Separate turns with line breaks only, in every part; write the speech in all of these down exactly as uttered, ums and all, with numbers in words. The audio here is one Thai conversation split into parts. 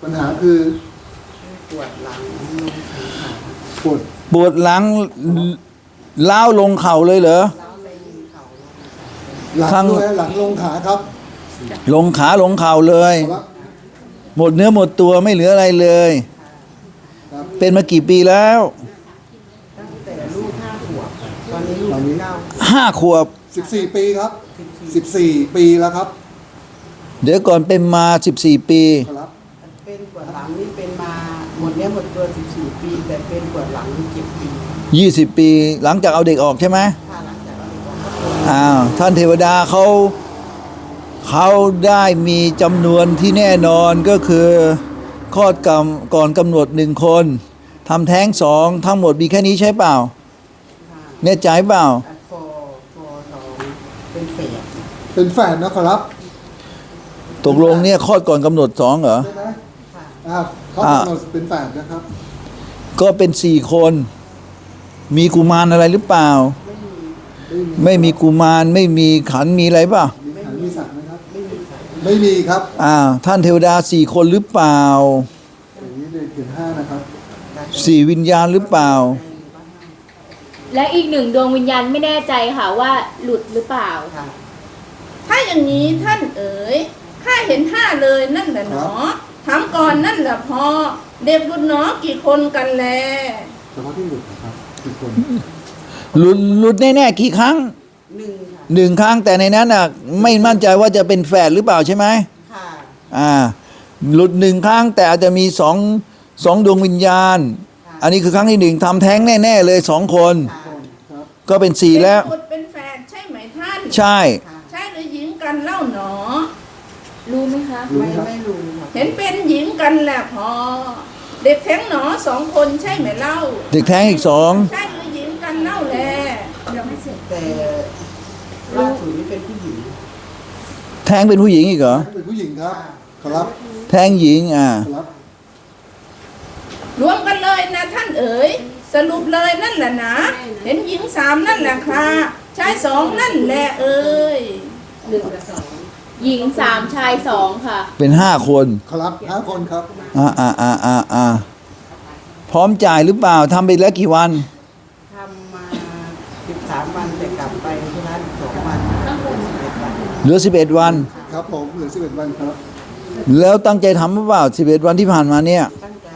ปัญหาคือ
ปวดหลังลงขา
ปวด
ปวดหลังล้าวลงเข่าเลยเหรอ
เล้าไปเข่า
หลัง
ข้าง
ด้วยหลังลงขาครับ
ลงขาลงเข่าเลย
ครับ
หมดเนื้อหมดตัวไม่เหลืออะไรเลย
ครับ
เป็นมากี่ปีแล้ว
ตั้งแต่ลูกห้าขวบตอนนี้ลูกเก้า
ห้าขวบ
สิบสี่ปีครับสิบสี่ปีแล้วครับ
เดี๋ยวก่อนเป็นมาสิบสี่ปี
ครับ
เป็นปวดหลังนี่เป็นมาหมดเนี้ยหมดตัวสิบสี่ปี แต่เป็นปวดหลังนี่เจ็ดปี
ยี่สิบปี หลังจากเอาเด็กออกใช่ไหม
ถ้าหลังจากเราบอกว่า
อ้าวท่านเทวดาเขาเขาได้มีจำนวนที่แน่นอนก็คือคลอดกำก่อนกำหนดหนึ่งคนทำแท้งสองทั้งหมดมีแค่นี้ใช่เปล่าแน่ใจเปล่า
อัดฟอร์ฟอร์สองเป็นเศษ
เป็นแฝดนะครับ
ตกลงเนี่ยคลอดก่อนกำหนดสองเหรอ
ใช่ไหม
ค่ะ
อ่าเขา
อ่า
กำหนดเป็นแฝดนะครับ
ก็เป็นสี่คน มีกุมารอะไรหรือเปล่า
ไม่มี
ไม่มีกุมารไม่มีขันธ์มีอะไรเปล่า
มีขันมีสัตว์ไหมครับ
ไม่มีสาย
ไม่มีครับ
อ้าวท่านเทวดาสี่คนหรือเปล่า
อย่างนี้เลยเขียนห้านะครับ
สี่วิญญาณหรือเปล่า
และอีกหนึ่งดวงวิญญาณไม่แน่ใจค่ะว่าหลุดหรือเปล่า
ค่ะ
ถ้าอย่างนี้ท่านเอ๋ยข้าเห็นห้าเลยนั่นแหละหนอถามก่อนนั่นแหละพอ เด็กบุญหนอกี่คนกันแล
เฉพาะที่หลุดนะครับกี่คน
หลุดหลุดแน่ๆกี่ครั้ง
หนึ่งค่ะ
หนึ่งครั้งแต่ในนั้นน่ะไม่มั่นใจว่าจะเป็นแฝดหรือเปล่าใช่ไหม
ค่ะ
อ่าหลุดหนึ่งครั้งแต่อาจจะมีสองสองดวงวิญญาณ อันนี้คือครั้งที่หนึ่งทำแท้งแน่ๆเลยสองคน
ค่ะ
ครับ
ก็เป็นสี่แล้ว
เป็นบุตรเป็นแฟนใช่ไหมท่าน
ใช่
ค่ะ
ใช่หรือหญิงกันเล่าหนอ
รู้ไหมคะ
รู้
ไม่
ไหมครับ
ไม่รู้ค่ะ
เห็นเป็นหญิงกันแหละพอ เด็กแท้งหนอสองคนใช่ไหมเล่า
เด็กแท้งอีกสอง
ใช่หรือหญิงกันเล่าแล
แต่ล่าสุดนี่เป็นผู้หญิง
แท้งเป็นผู้หญิงอีกเหรอ
เป็นผู้หญิงครับครับ
แท้งหญิงอ่า
ครับ
รวมกันเลยนะท่านเอ๋ยสรุปเลยนั่นแหละนะ เห็นหญิงสามนั่นแหละค่ะชายสองนั่นแหละเอ๋ย
หญิงสามชายสองค่ะ
เป็นห้าคน
ครับห้าคนครับ
อ่าอ่าอ่าอ่าอ่าพร้อมจ่ายหรือเปล่าทำไปแล้วกี่วัน
ทำมาสิบสามวันแต่กลับไปที่ร้านสองวันสิบเอ็ดวัน
เหลือสิบเอ็ดวัน
ครับผมเหลือสิบเอ็ดวันครับ
แล้วตั้งใจทำหรือเปล่าสิบเอ็ดวันที่ผ่านมาเนี่ย
ตั้งใจ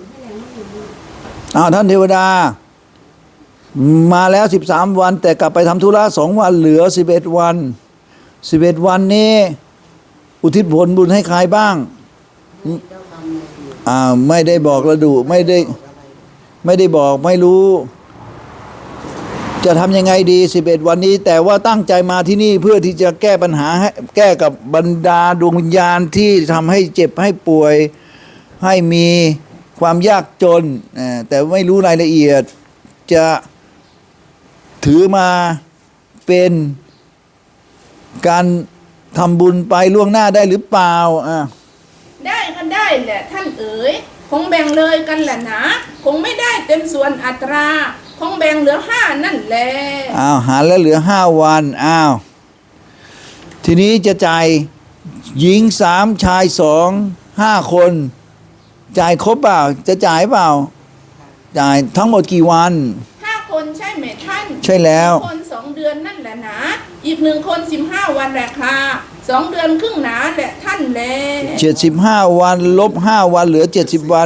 อ้าวท่านเทวดา มาแล้วสิบสามวัน แต่กลับไปทำธุระสองวันเหลือสิบเอ็ดวันสิบเอ็ดวันนี้อุทิศผลบุญให้ใครบ้าง
เจ้ากรรมนายเวร
อ่าไม่ได้บอกระดุไม่ได้
บอกอะไร
ไม่ได้บอกไม่รู้ จะทำยังไงดีสิบเอ็ดวันนี้ แต่ว่าตั้งใจมาที่นี่เพื่อที่จะแก้ปัญหาให้แก้กับบรรดาดวงวิญญาณที่ทำให้เจ็บให้ป่วย ให้มีความยากจนอ่าแต่ไม่รู้รายละเอียด จะถือมาเป็นการทำบุญไปล่วงหน้าได้หรือเปล่าอ่า
ได้ก็ได้แหละท่านเอ๋ยคงแบ่งเลยกันแหละนะคงไม่ได้เต็มส่วนอัตรา คงแบ่งเหลือห้านั่นแหละ
อ้าวหารแล้วเหลือห้าวันอ้าวทีนี้จะจ่ายหญิงสามชายสองห้าคน จ่ายครบเปล่าจะจ่ายเปล่า จ่ายทั้งหมดกี่วัน
ห้าคนใช่ไหมท่าน
ใช่แล้ว
คนสองเดือนนั่นแหละนะอีกหนึ่งคนสิบห้าวันแหละค่ะสองเดือนครึ่งหนาแหละท่านแล
เจ็ดสิบห้าวันลบห้าวันเหลือเจ็ดสิบวัน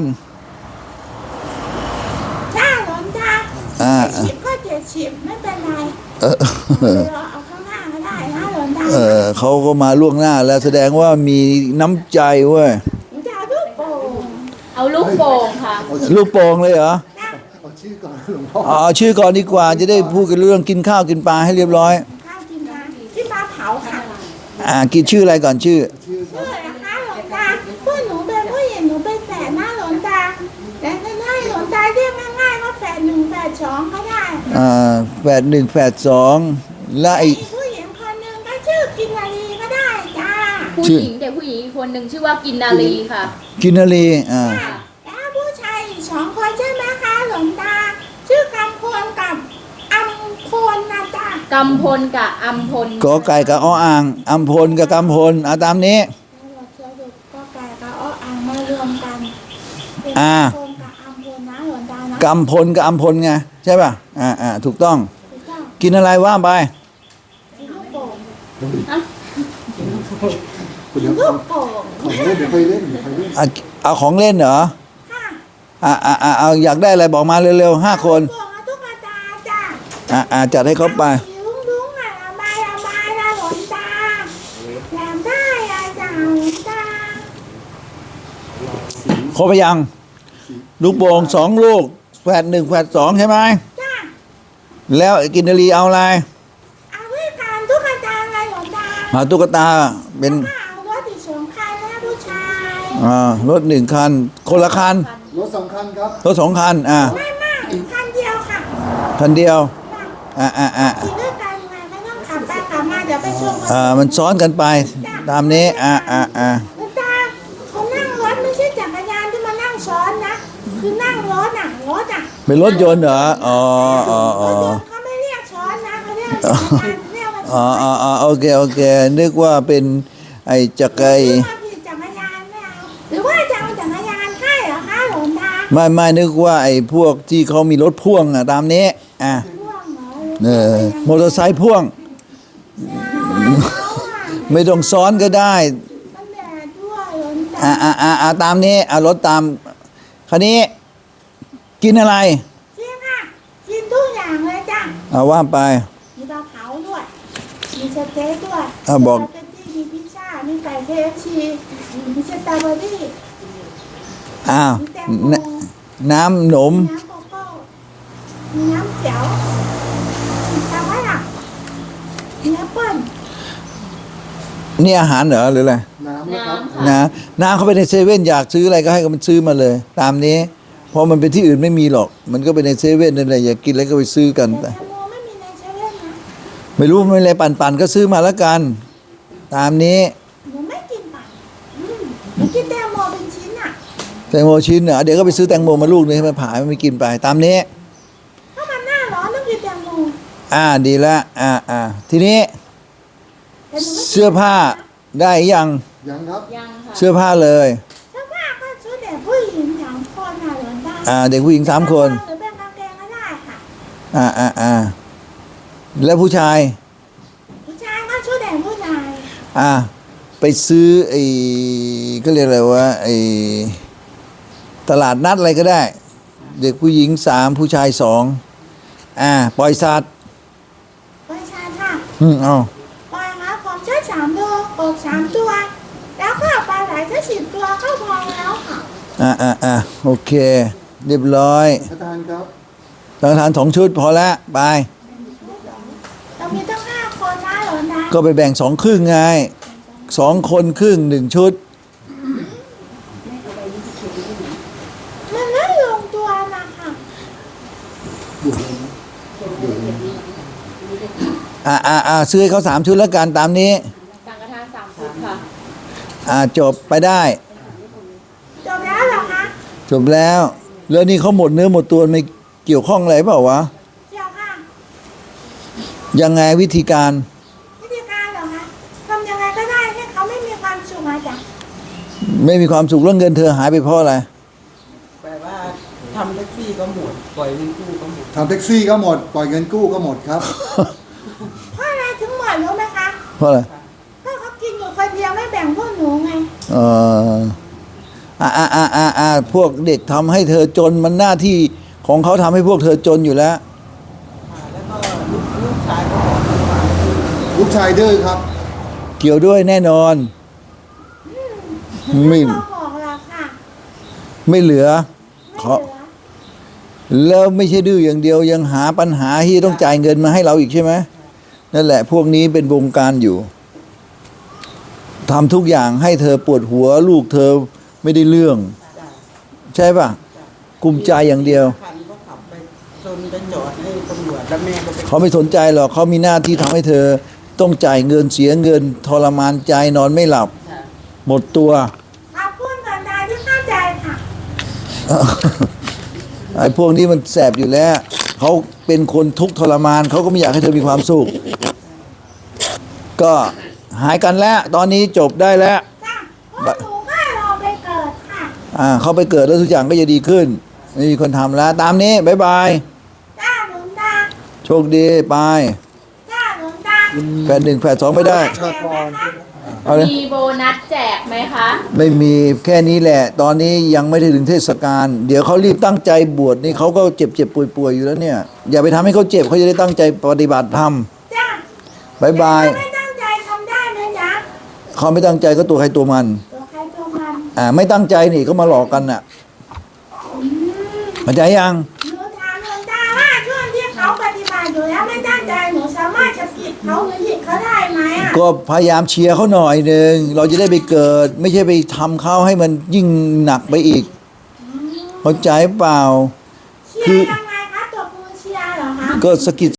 ถ้าหลนตา
อ่า
สิบก็เจ็ดสิบไม่เป็นไร
เออ
เราเอาข้างหน้าก็ได้นะหลนตา
เออเขาก็มาล่วงหน้าแล้วแสดงว่ามีน้ำใจเว้ย
จะลูกโป่ง
เอาลูกโป่งค่ะ
เอาชื่อ
ลูกโป่งเลยเหรอ
เอาชื่อก่อนหลวงพ่อ
เอาชื่อก่อนดีกว่าจะได้พูดกันเรื่องกินข้าวกินปลาให้เรียบร้อย
ข้าวกินนะที่ปลาเผาค่ะ
อ่ากินชื่ออะไรก่อนชื่อ
ชื่อครั
ชื่
บ
ออะไรคะหลนตาพวกหนูเป็นผู้หญิงหนูเป็นแฝดนะหลนตาแต่ง่ายๆหลนตาเรียกง่ายๆว่าแฝดหนึ่งแฝดสองก็ได้
อ่าแปดหนึ่งแปดสองและไอ
มีผู้หญิงคนหนึ่งก็ชื่อกินนารีก็ได้จ้า
ผู้
ชื่อ
หญิงแต่ผู้หญิงอีกคนหนึ่งชื่อว่ากินนารีค่ะ
กินนารีอ่า
แล้วผู้ชายอีกสองคนใช่ไหมคะหลวงตา ชื่อกำพลกับอัมพลนะจ๊ะ
กำพลกับอัมพล
กอไก่กับอ้ออ่างอัมพลกับกำพลเอาตามนี้
เราเชื่อดูก็ไก่กับอ้ออังมา
รวมกันเป็น
อ่า
คนกับอัมพลนะหลวงตานะ
กำพลกับอัมพลไงใช่ป่ะอ่าอ่าถูกต้อง
ถูกต้อง
กินอะไรว่าไป
เป็นลูกโป่ง
เดี๋ยว
ลู
ของ
กโป่ง
ของเล่นเดี๋ยวไปเล่นเดี๋ยวไปเล่น
อ่ะเอาของเล่นเหรอ
ค่ะ
อ่าอ่าอ่าเอาอยากได้อะไรบอกมาเร็วๆห้าคน
ลูกโป่งกับตุ๊กตาจ้ะ
อ่าอ่าจัดให้เขาไป
สีลุ้งลุ้งอ่ะระบายระบายนะหลวงตาอยากได้อะจ้ะหลวงตา
ครบไปยัง ลูกโป่งสองลูกแฝดหนึ่งแฝดสองใช่ไหม
จ้ะ
แล้วกินนารีเอาอะไร
เอาด้วยกันตุ๊กตาไงหลวงตา
หาตุ๊กตาเป็น
ก็เอารถอีกสองคันนะผู้ชาย
อ่ารถหนึ่งคัน คนละคัน
รถสองคันครับ
รถสองคันอ่า
ไม่มากคันเดียวค่ะ
คันเดียว
จ้ะ
อ่าอ่าอ่า
ขี่ด้วยกันไงไม่ต้องขับไปขับมาเดี๋ยวไปช่วง
อ่ามันซ้อนกันไปตามนี้อ่าอ่าอ่า
หลวงตาเขานั่งรถไม่ใช่จักรยานที่มานั่งซ้อนนะ คือนั่งรถอ่ะรถอ่ะ
เป็นรถยนต์เหรออ๋ออ๋อ
ร
อ๋อ
ถยนต์เขาไม่เรียกซ้อนนะเขาเรียกจักรยานเรียกว่า
อ๋
ซ้
อ
อน
อ๋ออ๋อโอเคโอเคนึกว่าเป็นไอ้จักรย
หรือว่าผิดจักรยานไม่เอาหรือว่าจะเอาจักรยานให้เหรอคะหลวงตา
ไม่ไม่นึกว่าไอ้พวกที่เขามีรถพ่วงอ่ะตามนี้อ่ะ
พ่วงเหรอ
เออมอเตอร์ไซค์พ่วง
เขาอ่ะ
ไม่ต้องซ้อนก็ได้
มันแดดด้วยหลวงตา
อ่าอ่าอ่าอ่าตามนี้อ่ารถตามคราวนี้กินอะไร
จริงค่ะกินทุกอย่างเลยจ้ะ
เอาว่าไป
มีปลาเผาด้วย มีสเต็กด้วย
อ่ะบอก
มีสเต็กมีพิซซ่า มีไก่เคเอฟซีมีสตรอเบอรี่
อ้าว
มีแตงโม
นน้ำหนม
มีน้ำโกโก้ มีน้ำเขียวมีตะวันอ่ะมีแอปเปิ้ล
นี่อาหารเหรอหรืออะไร
น้ำนะครับ
นะน้ำเขาไปในเซเว่นอยากซื้ออะไรก็ให้มันซื้อมาเลย ตามนี้เพราะมันเป็นที่อื่นไม่มีหรอก มันก็ไปในเซเว่นนั่นแหละอยากกินอะไรก็ไปซื้อกัน
แต่
แต่
แตงโมไม่มีในเซเว่นนะ
ไม่รู้ไม่อะไรปั่นๆก็ซื้อมาแล้วกัน ตามนี้
หนูไม่กินปั่นอืมหนูกินแตงโมเป็นชิ้นอ่ะ
แตงโมชิ้นเหรอเดี๋ยวก็ไปซื้อแตงโมมาลูกนึงให้มันผ่าให้มันกินไป ตามนี้
ถ้ามันหน้าร้อนต้องกินแตงโม
อ่าดีละอ่าอ่าทีนี้
แต่หนูไม่กิน
เสื้อผ้าได้ยัง
ยังครับ
ยังค่ะ
เสื้อผ้าเลย
เสื้อผ้าก็ชุดเด็กผู้หญิงสามคนน่ะหลวงตา
อ่า เด็กผู้หญิงสามคน
หรือเป็นกางเกงก็ได้ค่ะ
อ่าอ่าอ่าแล้วผู้ชาย
ผู้ชายก็ชุดเด็กผู้ชาย
อ่า ไปซื้อไอ้ก็เรียกอะไรวะไอ้ตลาดนัดอะไรก็ได้ เด็กผู้หญิงสามผู้ชายสองอ่า ปล่อยสัตว์
ผู้ชายค่ะ
อืมเอา
ปล่อยครับผมใช้สามตัวกบสามตัว แล้วก็ปลาไหลแค่สิบตัวก็พอแล้วค่ะ
อ่าอ่าอ่าโอเค เรียบร้อย
อาจารย์ครับ
สังฆทานสองชุดพอแล้วไป
เรามีตั้งห้าคนนะหลวงตา
ก็ไปแบ่งสองครึ่งไงสองคนครึ่งหนึ่งชุด
มันไม่ลงตัวนะคะ
อ่าอ่าอ่าซื้อให้เขาสามชุดแล้วกันตามนี้
สังฆทานสามชุดค่ะ
อ่าจบไปได้
จบแล้วเหรอคะ
จบแล้ว แล้วนี่เขาหมดเนื้อหมดตัวไม่เกี่ยวข้องอะไรเปล่าวะ
เดี๋ยวค่ะ
ยังไงวิธีการ
วิธีการเหรอคะทำยังไงก็ได้ให้เขาไม่มีความสุขอะจ้ะ
ไม่มีความสุขแล้วเงินเธอหายไปเพราะอะไร
แปลว่าทำแท็กซี่ก็หมด ปล่อยเงินกู้ก็หมด
ทำแท็กซี่ก็หมด ปล่อยเงินกู้ก็หมดครับ
เพราะอะไรถึงหมดรู้ไหมคะ
เพราะอะไร
เพราะเขากินอยู่คนเดียวไม่แบ่งพวกหนูไง
เอออ่าอ่าอ่าอ่าอ่าพวกเด็กทำให้เธอจนมันหน้าที่ของเขาทำให้พวกเธอจนอยู่แล้ว
ค่ะแล้วก็ลูกลูกชายก็บอกให้ฟัง
ลูกชายดื้อครับ
เกี่ยวด้วยแน่นอน ไม่
เราบอกเราค่ะ
ไม่เหลือ
ไม่
ขอ
เหลือ
แล้วไม่ใช่ดื้ออย่างเดียวยังหาปัญหาที่ต้องจ่ายเงินมาให้เราอีกใช่ไหมนั่นแหละ พวกนี้เป็นวงการอยู่ทำทุกอย่างให้เธอปวดหัวลูกเธอไม่ได้เรื่อง ใช่ป่ะกุมใจอย่างเดียว
คันก็ขับไปจนไปจอดให้ตำรวจแล้วแม่ก็ไป
เขาไม่สนใจหรอกเขามีหน้าที่ทำให้เธอ ต้องจ่ายเงินเสียเงินทรมานใจนอนไม่หลับ หมดตัว
ขอบคุณก่อนนายที่เข้าใจค่ะ
ไอ้พวกนี้มันแสบอยู่แล้วเขาเป็นคนทุกข์ทรมานเขาก็ไม่อยากให้เธอมีความสุข ก็หายกันแล้ว ตอนนี้จบได้แล้ว
จ้ะพวกหนูก็รอไปเกิดค่ะ
อ่าเขาไปเกิดแล้วทุกอย่างก็จะดีขึ้นไม่มีคนทำแล้ว ตามนี้บ๊ายบาย
จ้าหลวงตา
โชคดีไป
จ้าหลวงตา
แฝดหนึ่งแฝดสองไปได้
ชาติกร
เอาเลย
มีโบนัสแจกไหมคะ
ไม่มีแค่นี้แหละ ตอนนี้ยังไม่ได้ถึงเทศกาลเดี๋ยวเขารีบตั้งใจบวชนี่เขาก็เจ็บเจ็บป่วยป่วยอยู่แล้วเนี่ย อย่าไปทำให้เขาเจ็บเขาจะได้ตั้งใจปฏิบัติธรรม
จ้า
บายบาย
ถ้ไม่ตั้งใจทำได้ไหมจ๊ะ
เขาไม่ตั้งใจก็ตัวใครตัวมัน
ตัวใครตัวมัน
อ่าไม่ตั้งใจนี่ก็มาหลอกกันน่ะ
อืม
เข้าใจยัง
หนูถามหลวงตาว่าช่วงที่เขาปฏิบัติอยู่แล้วไม่ตั้งใจหนูสามารถจะผิดเขาหรือผิดเขาได้ไหมอ่ะ
ก็พยายามเชียร์เขาหน่อยหนึ่งเราจะได้ไปเกิด ไม่ใช่ไปทำเขาให้มันยิ่งหนักไปอีกเข้าใจเปล่า
เชียร์ยังไงคะตัวมือเชียร์เหรอคะ
ก็สะกิด